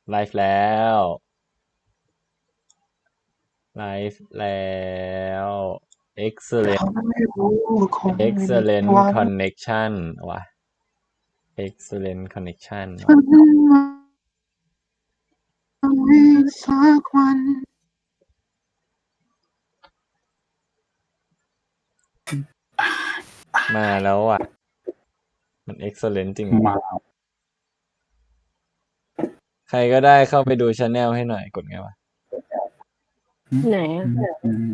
ไลฟ์แล้วไลฟ์แล้ว excellent ไม่รู้คงไม่มี excellent วัน connection ว่ะ excellent connection ฉัว่ะนมีสักวันมาแล้วอ่ะ มัน excellent จริงเหรอมาใครก็ได้เข้าไปดูชาแนลให้หน่อยกดไงวะไหนอ่ะอืม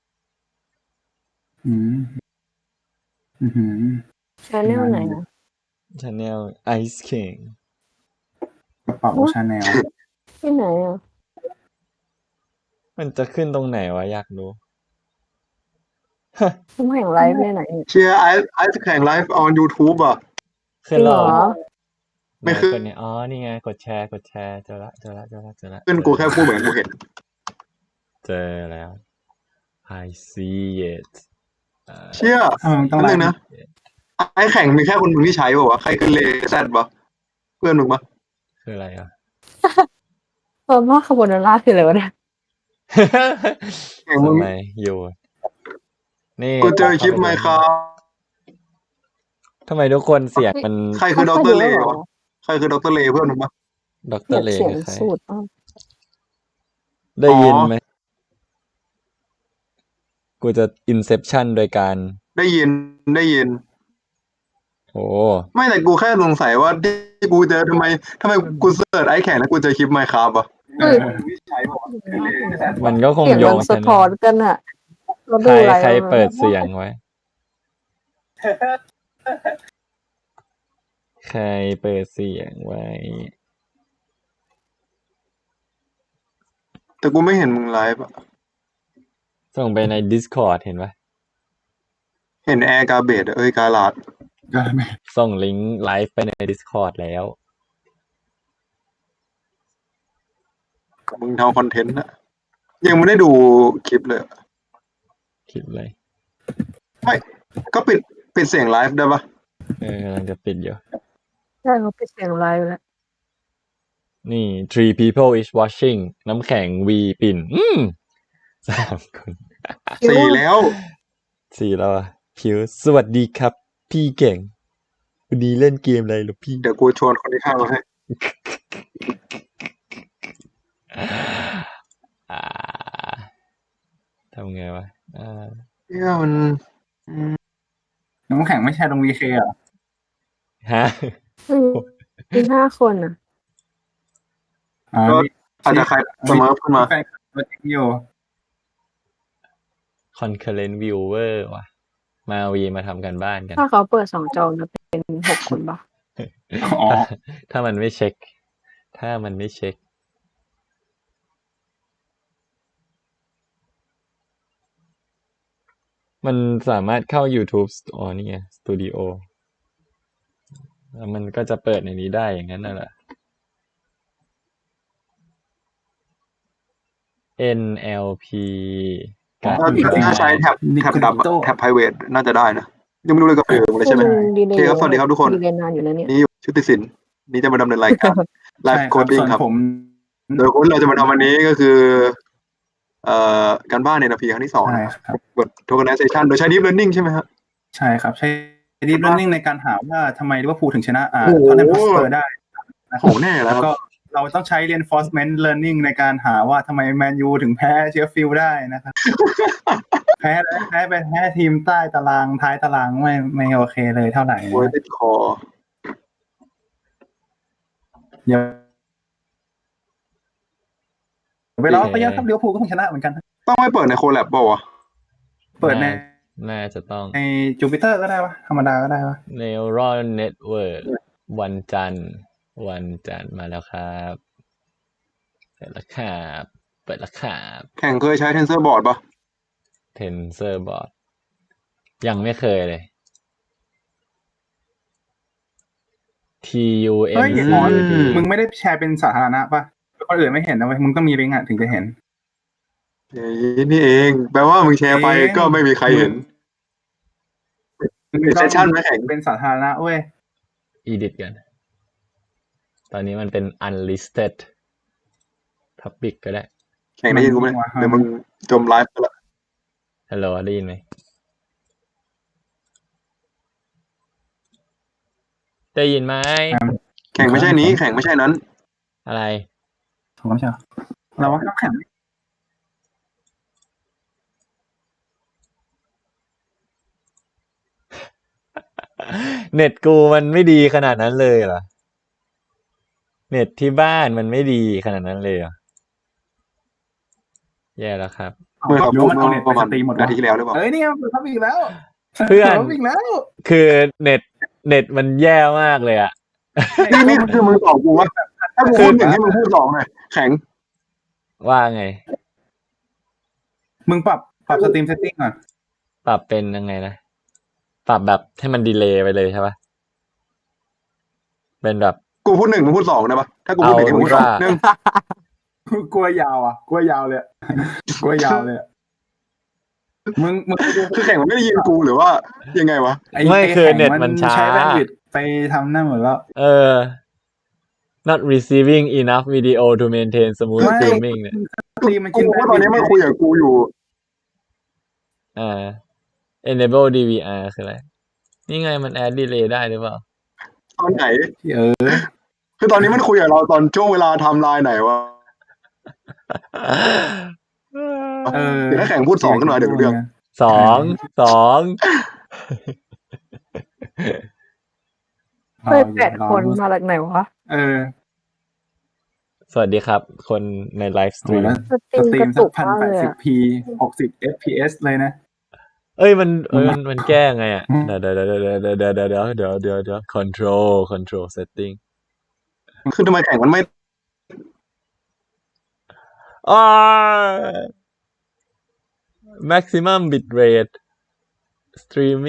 อืมอืมชาแนลไหนอ่ะชาแนล Ice King กระเป๋าชาแนลที่ไหนอ่ะมันจะขึ้นตรงไหนวะอยากรู้ผมแห่งไลฟ์ในไหนเชียร์ไอซ์แข่งไลฟ์ออน YouTube อ่ะขึ้นจริงแล้เหวรเหรออไม่ขึ้นกดเนี่ยอ๋อนี่ไงกดแชร์เจอละขึ้นกูแค่พูดเหมือนกูเห็นเจอแล้ว I see it เชี่ยต้องนั่นไลนึงฟ์นะไอแข่งมีแค่คนมึงที่ใช้ป่าวะใครขึ้นเลแซดปะเพื่อนมึงปะคืออะไรอ่ะว่าคาโบนาร่าคืออะไรวะเนี่ยแข่งมึงทำไมอยู่นี่กูเจอคลิปไหมครับทำไมทุกคนเสียงมันใครคือดรเลวะใครคือดรเลเพื่อนมึงปะดเกลีรยดเลเสียงคือใครสูตรมากได้ยินไหมกูจะ Inception โดยการได้ยินโอ้ไม่แต่กูแค่สงสัยว่าที่กูเจอทำไมกูเสิร์ชไอแข่งแล้วกูเจอคลิปไหมครับอ่ะเฮ้ยมันก็คงเสียงโยมังนสะท้อนกันอ่ะเราใคดูรอะไรใครเปิดเสียงไว้ ใครเปิดเสียงไว้แต่กูไม่เห็นมึงไลฟ์อะส่งไปใน Discord เห็นปะเห็นแอร์กาเบดกาลาดก็ไม่ส่งลิงก์ไลฟ์ไปใน Discord แล้วมึงทำคอนเทนต์อะยังไม่ได้ดูคลิปเลยคลิปเลยไม่ก็ปิดเสียงไลฟ์ได้ปะกำลังจะปิดอยู่ใช่เขาปิดเสียงไลฟ์แล้วนี่ three people is watching น้ำแข็งวีปิ่น3 คน 4แล้ว 4แล้วอ่ะพิวสวัสดีครับ พี่เก่งวันนี้เล่นเกมอะไรหรอพี่เดี๋ยวกูชวนคนที่ข้างมาให้ทำไงวะเนี่ยมันน้ำแข็งไม่ใช่ตรงวีเคเหรอฮะมี5 คนอ่ะอ๋อก็อาจจะใครเสมอขึ้นมาแฟนตัวจริงอยู่ concurrent viewer ว่ะ มาวีมาทำกันบ้านกันถ้าเขาเปิด2 จอจะเป็น6 คนปะอ๋อถ้ามันไม่เช็ค มันสามารถเข้า YouTube อ๋อนี่ไงสตูดิโอแล้วมันก็จะเปิดในนี้ได้อย่างนั้นน่ะแหละ NLP การถ้าใช้แท็บดำอะแท็บ private น่าจะได้นะยังไม่รู้เลยกับเลยใช่ไหมดีเลโอเคครับสวัสดีครับทุกคนดีเลยนานอยู่นะเนี่ยนี่ชุติศิลป์นี่จะมาดำเนินรายการไลใช่ฟ์คโครับดดิ้งส่วนครับผมโดยคนเราจะมาทำวันนี้ก็คือการบ้านในนาทีครั้งที่ 2 ใช่นะครับครับบท tokenization โดยใช้ deep learning ใช่ไหมครับใช่ครับ ใช้ deep learning ในการหาว่าทำไมลิเวอร์พูลถึงชนะโอ้โหท็อตแนมฮอตสเปอร์ได้นะคโหรับแน่แล้แล้ว วคก็รับเราต้องใช้ reinforcement learning ในการหาว่าทำไมแมนยูถึงแพ้เชฟฟิลด์ได้นะครับ แพ้ทีมใต้ตารางท้ายตารางไม่โอเคเลยเท่าไหร่โอ้ยนะติดคอเดี๋ยวเวลาก็เยอะครับลิเวอร์พูลก็คงชนะเหมือนกันต้องไม่เปิดในโคแลบเปล่าวะเปิดในน่าจะต้องในจูปิเตอร์ก็ได้วะธรรมดาก็ได้วะ Neural Network วันจันทร์มาแล้วครับ เปิดแล้วครับแข่งเคยใช้ TensorBoard ปะ TensorBoard ยังไม่เคยเลยเฮ้ย TUNC หมอนมึงไม่ได้แชร์เป็นสาธารณะป่ะคนอื่นไม่เห็นนะเว้ยมึงต้องมีลิงก์อ่ะถึงจะเห็นนี่เองแปลว่ามึงแชร์ไปก็ไม่มีใครเห็นเป็นเซสชั่นไหมแข่งเป็นสาธารณะเว้ย edit กัน ตอนนี้มันเป็น unlisted Public ก็ได้แข่งได้ยินกูไหมเดี๋ยวมึงจมไลฟ์ไปละฮัลโหลได้ยินไหมได้ยินไหมแข่งไม่ใช่นี้แข่งไม่ใช่นั้นอะไรถูกไหมใช่เราว่าต้องแข่งเน็ตกูมันไม่ดีขนาดนั้นเลยเหรอ เน็ตที่บ้านมันไม่ดีขนาดนั้นเลยเหรอ แย่แล้วครับเมื่อหรือว่ามันเอาเน็ตปไประ สมาณตรีมหมดนาทีที่แล้วหรือเปล่าเอ้ยนี่มันทับอีกแล้วเพื่อนทับอีกแล้วคือเน็ตมันแย่มากเลยอะนี่คือมึงตอบกูว่าถ้ากูพูดหนึ่งให้มึงพูดสองหน่อยแข็งว่าไงมึงปรับสตรีมเซตติ้งก่อนปรับเป็นยังไงนะ ปรับแบบให้มันดีเลย์ไปเลยใช่ปะเป็นแบบกูพูดหนึ่งมึงพูดสองได้ปะถ้ากูพูดหนึ่งให้มึงพูดสองเอาว่าหนึ่งกลัวยาวอ่ะกลัวยาวเลยอะกลัวยาวเลยอะมึงคือแข่งมันไม่ได้ยินกูหรือว่ายังไงวะไม่คือเน็ตมันช้าใช้แบนด์วิดต์ไปทำนั่นหมดแล้ว not receiving enough video to maintain smooth ไม่ streaming เนี่ยสตรีมมันกูกินว่าตอนนี้มันคุยกับกูอยู่ enable DVR คืออะไร นี่ไงมัน add delay ได้หรือเปล่าตอนไหนอคือตอนนี้มันคุยกับเราตอนช่วงเวลาไทม์ไลน์ไหนวะ เดี๋ยวถ้าแข่งพูดสองขึ้นมาเดี๋ยวรู้เรื่องสองเฮ้ย8 คนมาจากไหนวะสวัสดีครับ คนในไลฟ์สตรีมสตรีมสตรีกระมสัตุกกมากเลยอะ 1080p 60 fps เลยนะเอ้ยมันแก้ไงอ่ะ เดี๋ยว control setting คือทำไมแข่งมันไม่ maximum bitrate streaming